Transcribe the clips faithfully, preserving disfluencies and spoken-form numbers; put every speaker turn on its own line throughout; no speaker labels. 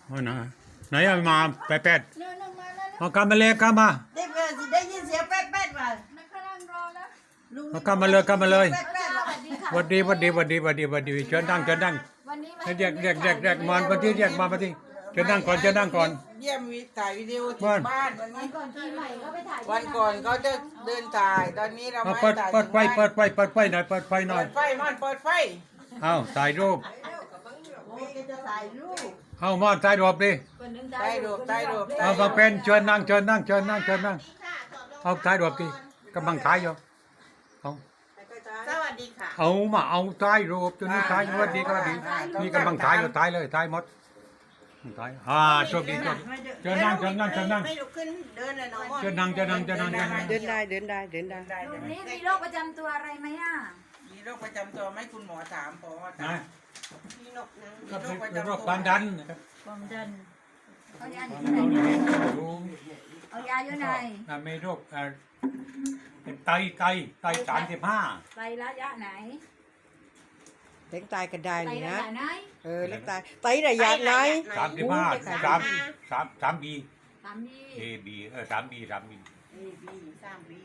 โอ้ยนะไหนเอามาแปดแปด
เนื้อหนึ่งมาแล้ว
เอากำมาเลยกำมา
ได้เวลาสิได้ยินเสียงแป๊ดแป๊ดว่ะ
นักกำลังรอแล้ว
ลุง
เอากำมาเลยกำมาเลย
แป๊ดแป๊ดว่ะ
สวัสดีค่ะ
หวัดดีหวัดดีหวัดดีหวัดดีหวัดดีเชิญนั่งเชิญนั่ง
วันนี้มา
เรียกเรียกเรียกเรียกมอนปฏิเรียกมาปฏิเชิญนั่งก่อนเชิญนั่งก่อน
เยี่ยมวิถ่ายวิดีโอที่
บ้าน
บ้านวัน
วั
นี้
นก่อนปีใหม่ก็ไปถ่ายที่
วันก่อนเขาจะเดินถ่ายตอนนี้เรา
เอา
ไม่
เปิด
ถ่าย
เปิดไฟเปิดไฟเปิดไฟหน่อยเปิดไฟหน่อ
เปิ
ย
ดไฟมอนเปิดไฟ
เอาถ่ายรูป
โอ้ยจะถ่ายรูป
เอามอนถ่ายรูปดิ
คนหนึ่ง
ได้รูปได้รูป
เอามาเป็นเชิญนั่งเชิญนั่งเชิญนั่งเชิญนั่งเอาถ่ายรูปดิกำลังถ่ายอยู่เอา
สวัสดีค่ะ
เอามาเอาถ่ายรูปจนนี้ถ่ายสวัสดีก็ดีนี่กำลังถ่ายอยู่ถ่ายเลยถ่ายหมดถ่ายอ่าโชคดีโชคดีเชิญนั่งเชิญนั่งเชิญนั่ง
ไม่ลุกขึ้นเดินเลยน้อง
เชิญนั่งเชิญนั่งเชิญนั่งเชิญนั่ง
เดินได้เดินได้เดินได้
ตรงนี้มีโรคประจำตัวอะไรไหมอ่ะ
มีโรคประจำตัวไหมคุณหมอถามพอถา
นะ
มมีโรคนะมี
ก็
โรคประ
เป็น
จำ
โร
ตัว
คความดันนะครับ
ความดันเอายาอยู่
ความ
ที่ไหน
ดันรู้
เอายาอยู่ไหน
อ่ามีโรคอ่าเป็นไตไตไตสามสิบห้า
ไประยะไหน
เล็กตายก็ได้
ไต
นี่
ระ
นะ
ยะไหน
เออเล็กตายไตระยะไหน
สามสิบห้าสามสามสามบี
สามยี่
เอบีเออสามบีสามบี
เอบีสามบี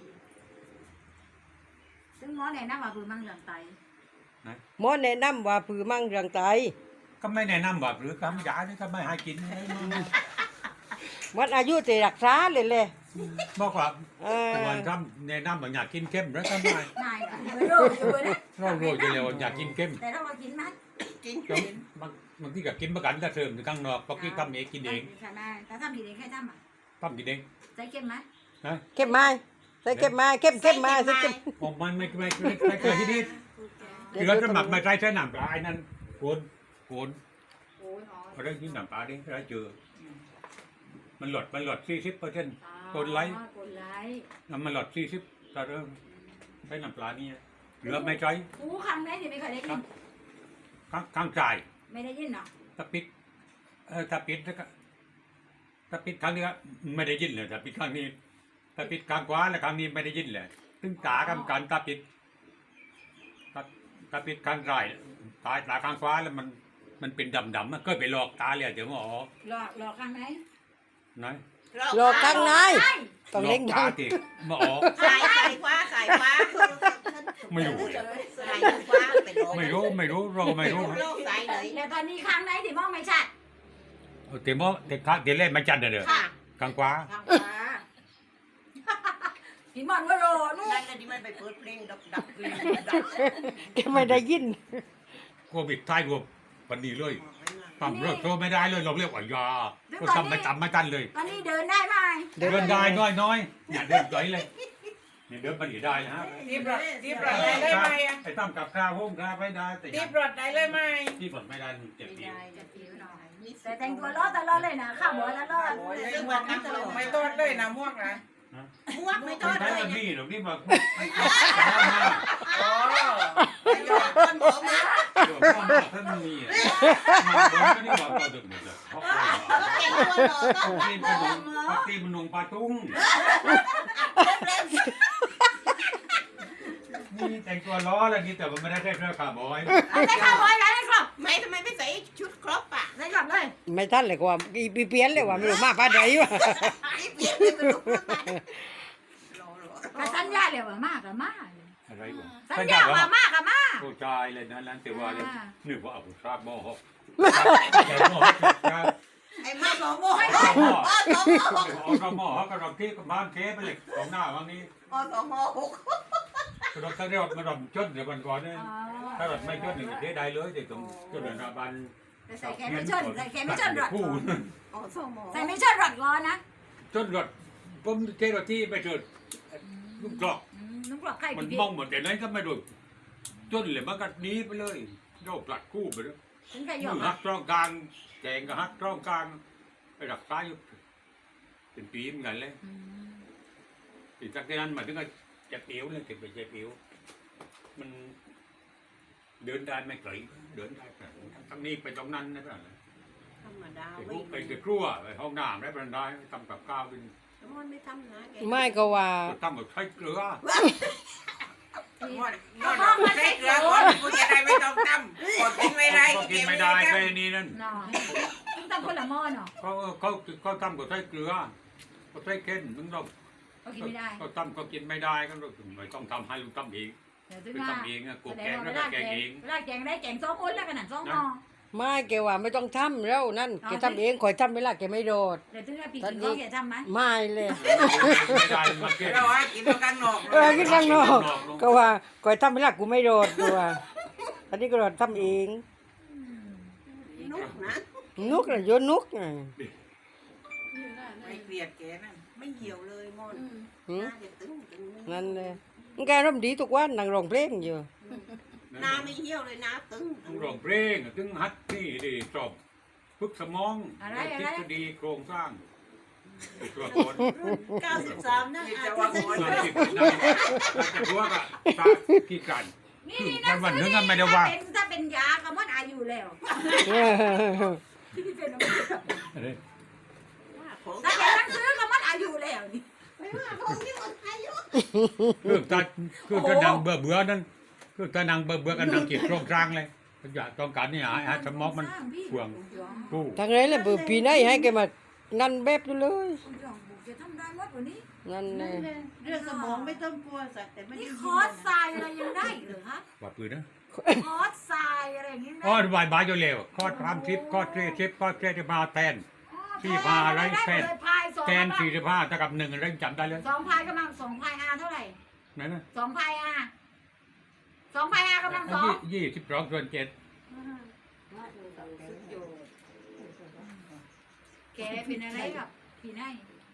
ซึ่งหมอแนะนำว่าคือมั่งเรื่องไต
หมอแนะนำว่าผือมั่งเรื่องไต
ก็ไม่แนะนำแบบหรือคำยานี่ก็ไม่ให้กิน
วัดอายุจะรักษาเลยเลย
บอกว่า
เออ
ควรทำแนะนำแบบอยากกินเข้มแล้วก็ไม่
นายอ่ะไม่รู้อยู่นะ
เรารู้อยู่แล้วอยากกินเข้ม
แต่เรามากินไหม
กิน
ก็บางบางทีก็กินประกันก็เสริมอยู่ข้างนอกปกติทำเองกินเอง
ใช่ไหมแต่ทำกินเองแค่ทำอ่ะ
ทำกินเอง
ใจเข้มไหม
นะ
เข้มไม้ใส่เข้มไม้เข้มเข้มไม้ใส่เข้ม
ผมมันไม่ไม่ไม่ไม่เคยที่นี่คือเราจะหมักไม่ใช่ใช้น้ำปลาไอ้นั่นโคนโคน
โอ้ยอ๋อ
เอาเรื่องที่น้ำปลาดิเราเจอมันหลดมันหลดสี่สิบเปอร์เซ็นต์ กดไลค์
กดไลค์
น้ำมันหลดสี่สิบแต่เริ่มใช้น้ำปลานี่เหลือไม่ใช้
อู้ครั้งไหนที่ไม่เคยได้ยิน
ข้างข้างจ่าย
ไม่ได้ยินเนาะ
ถ้าปิดเออถ้าปิดแล้วก็ถ้าปิดครั้งนี้ก็ไม่ได้ยินเลยถ้าปิดครั้งนี้ถ้าปิดครั้งขวาแล้วครั้งนี้ไม่ได้ยินเลยถึงตากำกันถ้าปิดถ้าถ้าปิดครั้งซ้ายตาตาข้างขวาแล้วมันมันเป็นดำดำมันก็ไปหลอกตาเลยเดี๋ยวหมอ
หลอกหลอกครั้งไหน
นะ
โลกข้างในต้อง
หลอ
เล็
ก
ง
ตา
ดัง
ติหมอ
สายสายฟ้าสายฟ้า
ไม่รู้เลย
สายฟ้าเป็นโรค
ไม่รู้ไม่รู้เราก็ไม่รู้
โรคสายไหน
แล้วตอนนี้ครั้งไหนที่มองไม่ชัด
เดี๋ยวหมอเด็กข้างเดี๋ยวเล่นไม่จันเด้อ
ค่ะ
ข้างขวา
ทางขวาพี่มอนว่าโลนู่น
นั่นน่ะที่มันไปเปิดเพลงดับดับเพลงดับ
แกไม่ได้ยิน
โควิดท้ายรวมวันนี้เลยปั๊มเลิกโทรไม่ได้เลยเราเรียกว่ายาก็ทำไม่จำไม่กันเลย
ตอนนี้เดินได้ไหม
เดิน
เดินได้น้อยน้อยอย่าเดินไกลเลยนี่เดินไปได้นะฮะ
ที่ปลอดที่ปลอดได้เลยไหมอ่ะ
ไอ้ตั้มกับข้าวห้องข้าวไม่ได้แต่
ที่ปลอดได้เลยไหม
ที่ปลดไม่ได้เจ็บปี
จะผิวหน่อยแต่แต่งตัวล้อตลอดเลยนะข้าวหมอตลอด
โอ้ยเรื่องวันนั้นไม่โทษเลยนะม่วงนะม่วงไม่โท
ไม่
ษ
ใช่
เลย
วันนี้หรอกนี่บอก
อ๋อไม่โทษคนผมนะ
เดี๋ยวพ่อมาท่านมีอ่ะมันนี่บอกตัวดึกเลยเพราะ
เก่งตัวหล่อต้อง
ที่มันนุ่งที่มันนุ่งปลาตุ้งนี่แต่งตัวล้ออะไรนี่แต่มันไม่ได้ใส่เสื้อขาบอย
ได้ข้าวหอยแล้วได้ครับ
ไม่ทำไมไม่ใส่ชุดครบอ่ะ
ได้ครับเลย
ไม่ทันเลยกว่าอีปีเปลี่ยนเลยว่าไม่รู้มาป้าใดวะ
นี่เปลี่ยนเลยไม่รู้หล่อหล่อ
แต่สัญญาเลยว่ามากกับมาก
อะไรวะ
สัญญาว่ามากกับมาก
ผู้ชายเลยนะนั้นแต่ว่าเลยนึกว่าเอาทราบมอหก
ไอ้มาสองโมง
เอาหม้อ
อ๋อสองโมง
เอากระหม้อเขากระดองที่บ้านเค้ไปเลยของหน้าวันนี้
อ๋อสองโมงหก
กระดองถ้าเรียกมันดมจนเดี๋ยววันก่อนเนี่ยถ้าเราไม่จนหนึ่งเทได้เลยเดี๋ยวตรงจนเดือนบัน
แต่ใส่แขนไม่ชนใส่แขนไม่ชนรถ
ผู้
อ๋อสองโมง
ใส่ไม่ชนรถร้อนนะ
จนรถผมเทรถที่ไปเถิดลูกกรอก
น้องกรอบไข่
มัน
พี่
มองหมดแต่นั้นก็ไม่ดูจนเลยมันก็หนีไปเลยโยกหลัดคู่ไปเลย
ฉันก็ย
มื
อม
อฮักตรองกลางแกงก็ฮักตรองกลางไปดักซ้ายอยู่เป็นปีเหมือนกันเลยถึงจากนั้นมาถึงก็จะเปียวเลยถึงไปจะเปียวมันเดินได้ไม่ไกลเดินได้แต่ทั้งนี้ไปตรงนั้นนะเพื่อน
ธรรมดา
ไป
ไม่
ไปจะครัวไปห้องน้ำได้บันไดทำกับข้าวเป็น
มันไม่ทำนะแก
ไม่ก็ว่า
ทำกับไข่เกลือ
มอดมอดใช้เกลือก่อนกูจะได้ไม่ต้องทำกดกินไม่ได้
ก็กินไม่ได้แค่นี้นั่น
นอนตั้งคนละหม้อเนาะ
เขาเขาเขาทำกับไส้เกลือกับไส้เค็มมึงต้อง
ก็กินไม่ได้
เขาทำก็กินไม่ได้ก็ไม่ต้องทำให้ลูกทำเอง
แต่ถึง
ไป
ว่า
ทำเองอะกู
แสด
แก
ง
ง
ว่า
แล้ว
เว
ก็
ลา
แก
แก
งเอง ง
เวลาแกงได้แกงสองคนแล้วกันนั่นสองหม้อ
ไม่แกว่าไม่ต้องทำแล้วนั่นแกทำเองคอยทำเวลาแกไม่โดด
แต่ถึงว่าปีกินข้าวแกทำไหม
ไม่เลย
ไม่ได้มาเก็บ
เราให้กินด้วยกันนอก
เออกินข้างนอกก็ว่าคอยทำเวลากูไม่โดดกูว่าอันนี้ก็โดดทำเอง
นุกนะ
นุกน่ะโยนนุกน่ะ
ไม่เกลียดแกนั่นไม่เหี่ยวเลยมอน
หืม
หน้าจะตึงตึง
นั่นเลยมันแกร่มดีทุกวันนั่งร้องเพลงอยู่
หน้าไม่เหี่ยวเลยหน้าตึง
ต้องร้องเพลงถึงฮัดนี่ดีจบฝึกสมองและทฤษฎีโครงสร้างติดตัวคน
เก้าสิบสามนะอาจจะว่าหมด
ส่วนติดนั่นจะพวกอะตาขี้กัน
นี่นี่
วันวันนึงก็ไม่ได้ว่า
ถ้าเป็นถ้าเป็นยาก็หมดอายุแล้วที่เป็นอะไร
ของ
ถ้าแกต้องซื้อก็หมดอายุแล้วนี่
ไม่ว่าของที่หมดอายุ
คือตาคือตานางเบื่อเบื่อนั่นคือตานางเบื่อเบื่อกันนางจิตโครงสร้างเลยอยากต้องการนี่หาหาสมองมันห่วงกู้
ทางไหนเลยเบื่อปีไหนให้แกมางันแบบอยู่เลย
จะทำได้หมดวันนี้
นั่นเลย
เรื่องสมองไม่ต้องกลัวสักแต่ไม่
นี่
ได้
คอร์สทรายอะไรยังได้เหรอฮะ
ว่าปืนนะ
คอร์สทรายอะไรอย่างนี้ไหม
อ๋อบายบายอยู่เร็วข้อทำทิปข้อเททิปข้อเทจะมาแทน ที่พาอะไรแฟน
พายสอง
แทนสี่สิบห้าเท่ากับหนึ่งเร่งจำได้เลย
สองพายกำลังสองพายอาเท่าไหร่
นั่นนะ
สองพายอาสองพายอากำลังสอง
ยี่สิบสองส่วนเจ็ด
แกเป็นอะไรกับพี่นาย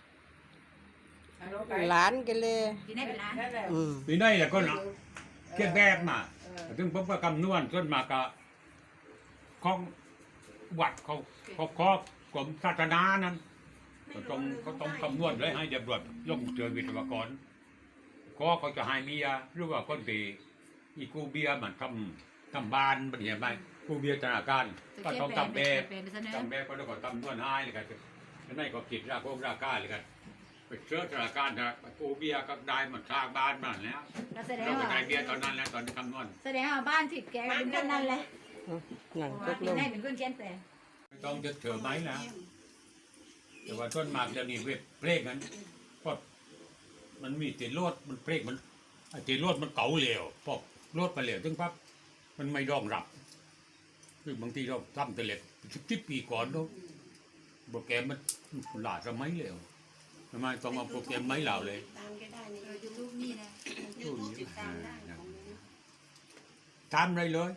หลานแกันเลย
พี่นายเป็นร้าน
อืม
ปีนี้แหละก็เนาะเก็บแบบมาถึงผมก็คำนวณส่วนมากก็ของวัดเขาเขาครอบกรมศาสนานั้นก็ต้องเขาต้องคำนวณเลยให้เด็กบวชลงเจอวิทยากรก็เขาจะให้เบียร์หรือว่าคนตีอีกูเบียร์มันทำทำบ้านมันเห็นไหมกูเบียร์ธนาคารก็ต้องทำแบบ
เป็นเสนอ
ทำแบบก็ต้องทำนวดให้เลยกันแล้วนั่นก็กิจราโกงราคาเลยกันไปเชื่อธนาคารนะกูเบียร์ก็ได้มันสร้างบ้านมันแล้ว
แล้วแสดง
เราก็
ว่า
ได้เบียร์ตอนนั้นแล้วตอนที่คำนวณ
แสดงว่าบ้านทิพย์แกเป็นคนนั้นแหละ
หนังต
ว่าก
ล
พี่
ง
นายเป็นคนเขียนแต่
ไม่ต้องจะเถื่อไหมนะแต่ว่าต้นหมากเดี๋ยวนี้เว็บเพลงนั้นก็มันมีติดรถมันเพลงมันไอ้ติดรถมันเก่าเหลวพอรถไปเหลวถึงปั๊บมันไม่รองรับคือบางทีเราทำแต่เหล็กสิบปีก่อนเนาะโปรแกรมมันหลาสมัยเหลวทำไมต้องเอาโปรแกรมไม้เหล่าเลย
ตามก็ได้ใน
ยูทูบนี่นะ
ยูทูบติดตามได้ของนี้
ทำอะไรเลย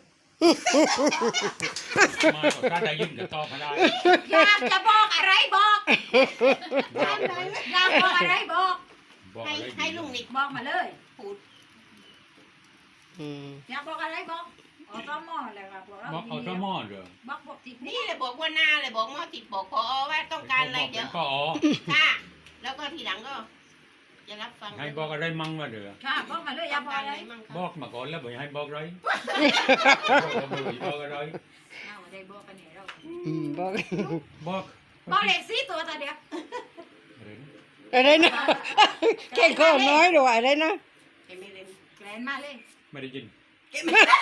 มาก็ถ้าได้ยินจะตอบมาได้
อยากจะบอกอะไรบอก
บอก
อยากบอกอะไรบอก
บอก
ให้
อะไร
ให้ลุงนิก
บอกมาเลย
พูด
อืม
อยากบอกอะไรบอกเอาต้อมอเลยครับบอกเรา
บอกเอาสมอเหรอ
บอกบอกทิพย์
นี่เลยบอกว่าหน้าเลยบอกหมอติดบอกพอว่าต้องการอะไรเดี๋ยว
ก็อ๋อ
ค่ะแล้วก็ทีหลังก็จะรับฟัง
ให้บอกอะไรมั่งมาเด้อ
ค่ะบอกมาเลยอยากบอกอะไร
มั่ง
บอกมาก่อนแล้วบอกให้บอกอะไรบอกอะไร
เอาได้บอกกันเนี่ยเรา
อืมบอก
บอก
บอกเลขสี่ตัวตัวเดียว
อะไรนะแค่ข้อน้อยด้วยอะไรนะ
เห็นไม่เล่น
แกลนมาเลย
ไม่ได้ยิน
เก็บไม่เล่น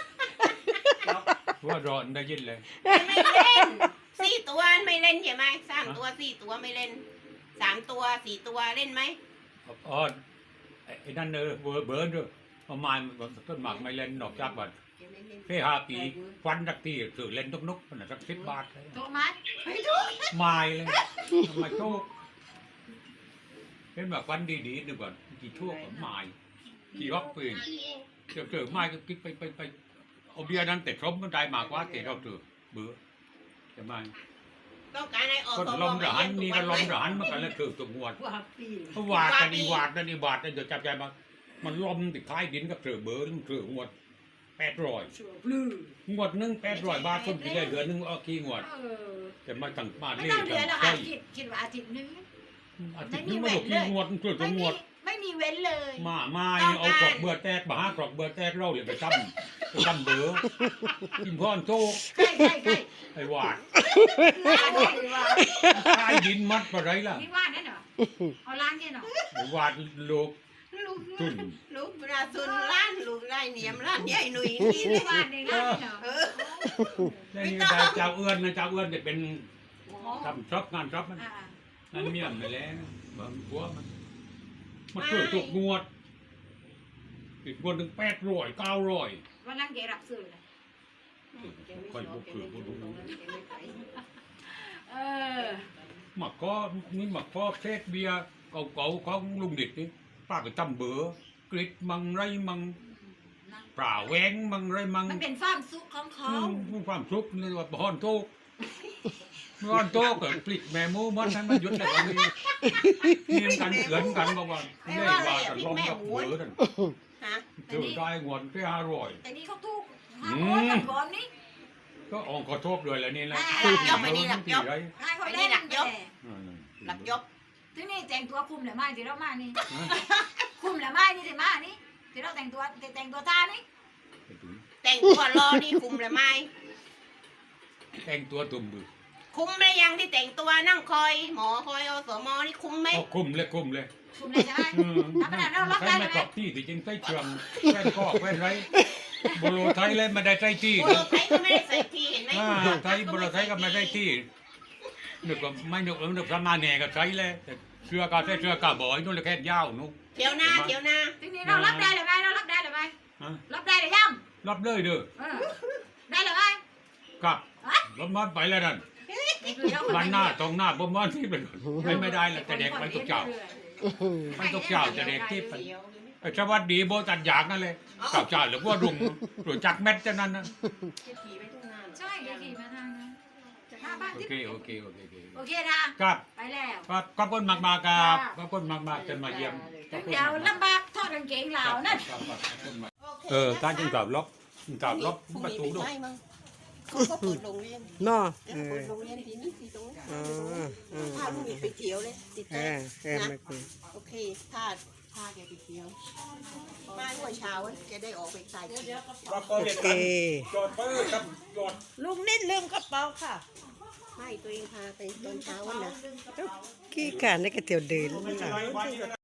ว่ารอนได้ยินเลย
ไม่เล่นสี่ตัวไม่เล่นใช่ไหมสามตัวสี่ตัวไม่เล่นสามตัวสี่ตัวเล่นไหม
อ๋อไอ้นั่นเออเบอร์เบิร์นด้วยประมาณต้นหมากไม่เล่นนอกจากบัด
เก็บไม่เล่น
เพื่อหาปีฟันสักทีสื่อเล่นทุกนุกขนาดสักสิบบาท
ถูกไหม
ไม่ถูก
ไม่เลยทำไมโชคเป็นแบบฟันดีๆหนึ่งก่อนกี่ชั่วก็ไม่กี่รอบปืนเจอเจอไม่ก็คิดไปไปไปเอาเบียร์นั้นแต่ครบมันได้มากกว่าแต่เราเจอเบื่อจะไม่
ต้องการให้ออก
ก็
ตัว
ลมร้านนี่ก็ลมร้านมันกันแล้วคือตัวงวด
ว่าปี
เพราะวาดกันอีวาดนั่นอีวาดนั่นเดี๋ยวจับใจมามันลมติดท้ายดินกับเสือเบอร์เสืองวดแปดร้อย
ชัวปลื้ม
งวดหนึ่งแปดร้อยบาทคนที่ได้เดือนหนึ่งเอากี่งวด
เออ
แต่มาตั้งมา
ไม่
เรีย
ต้อง
ก
เดือนหรอก
ใช่
ค่ะคิดคิดว่าอาทิตย์นึง
อาทิตย์นึงไม่รู้กี่งวดเสือตั
ไม่
วง
มี
วด
ไม่มีเว้นเลย
มาไม่เอากรอกเบื่อแตกมาหากรอกเบื่อแตกเราเลยไปจำไปจำเบอร์กินพรโชค
ใกล้ใกล้ใกล้
ไอ้วาด
ล้านเลยว่า
ใต้ดินมัดอะไรล่ะ
นี่ว่านั่นเหรอเอาล้านเนี่ยเหรอ
ไอ้วาดโลก
ลูก
ตุน
ลูกราซุนล้านลูกไล่เนียมล้านใหญ่หนุ่ยนี่
นี่
เลย
ว่าในล้านเนี่ยเหรอ
เออ
นี่ได้เจ้าเอื้อนนะเจ้าเอื้อนเนี่ยเป็นทำจ็อบงานจ็อบมัน
อ่า
นั่นเมียนไปแล้วบางหัวมันมันเกิดตกงวดอีกงวดหนึ่งแปดร้อยเก้าร้อย
วันนั้นแกรับซื้อเลย
ค่อยบุกคือบุก
เออ
หมักก็นี่หมักก็เทศเบียร์เก่าๆของลุงดิดนี่ป้าก็จำเบอร์กริดมังไรมังปลาแหวงมังไรมัง
มันเป็นความสุขของเขา
อืมความทุกข์นี่ว่าบอนโตกบอนโตกก็ปลิกแม่มูมันให้มันหยุดแล้วก็มีมีกันเกินกันบ่ว่าได้ว่ากันลองกับเบอร์นั่น
ฮะ
เจอได้งวนแค่ห้าร้อย
แต่นี่เขาทุกข์ห้าคนกันก่อนนี่
ก็ออกขอโทษเลยแหละนี่แหละ
หลักยกไปนี่หลักยก
ไร
ให้เขาเล่นแต่
หลักยก
ที่นี่แต่งตัวคุมเหรือไม่ที่เรามานี่คุมเหรือไม่นี่ที่มานี่ที่เราแต่งตัวแต่งตัวตานี่
แต่งตัวรอนี่คุมหรือไม่
แต่งตัวตุ่มบือ
คุมไหมยังที่แต่งตัวนั่งคอย หมอคอยอสมนี่คุมไหม
เอาคุมเลยคุมเลย
คุมเลยใช่ไหม
อืม
ธรรมดาเรารับ
ใช้
ได้
ไม่
ไหม
กรอบที่ที่จริงใส่เชืองแว่นก็แว่นไรโบโลไทยเลยไม่ได้ใส่ที่
โอ้ไทยก็ไม่ได้ใส่ทีเห็นไหม
อ่าไทยโบโลไทยก็ไม่ได้ที่นึกว่าไม่นึกว่านึกสมาแหน่ก็ใช้เลยแต่เชือกาใส่เชือกาบ่อยนู่นเลยแค่ยาวนู่น
เที่ยวหน้าเที่ยวหน้า
ทีนี้เรารับได้หรือไม่เรารับได้หรือไม่
ฮะ
รับได้หรือยัง
รับเลยเด้อ
เออได้หรือไม่
ครับรถมันไปแล้วนั่นวันหน้าตรงหน้าบ่มันที่เป็นไม่ไม่ได้แล้วแต่เด็กมันตกเจ้ามันตกเจ้าแต่เด็กที่เป็นไอ้สวัสดีโบตัดยางนั่นเลยเจ้าเจ้าหรือว่ารุงหรือจักแม็ดจะนั่นนะ
ใช่เดี๋ยวขี่มาทางนั้นหน้าบ้าน
โอ
ที่
เคโอเคโอเคโอเค
โอเคนะ
ครับ
ไปแล้ว
ครับขอบคุณมากมากๆครับขอบคุณมากมากๆจนมาเยี่ยมขอบคุณ
เดี๋ยวลำบากทอดกางเกงเหล่านั่น
ครับครับขอบคุณมากเออท่านจึงตอบล็อกตอบล็อกประตูด้วย
เขาก็เปิดโรงเรียน
เนาะเอ
เปิ
อ
ดโรงเรียนที่นี่ที่ตรงนี้
อ๋อเออ
พาลูกหมีไปเที่ยวเลยติด
เอ
ใจ
อเออไม่คุย
โอเคพาพาแกไปเที่ยวมาเมื่อเช้าแกได้ออกไปใส่
โอเค
จอดเปิดครับจอด
ลุงนิดลืมกระเป๋าค่ะให้ตัวเองพาไปตอนเช้าวันนะ
ขี้การได้กระเตียวเดิน
ไม่เป็นไรไว้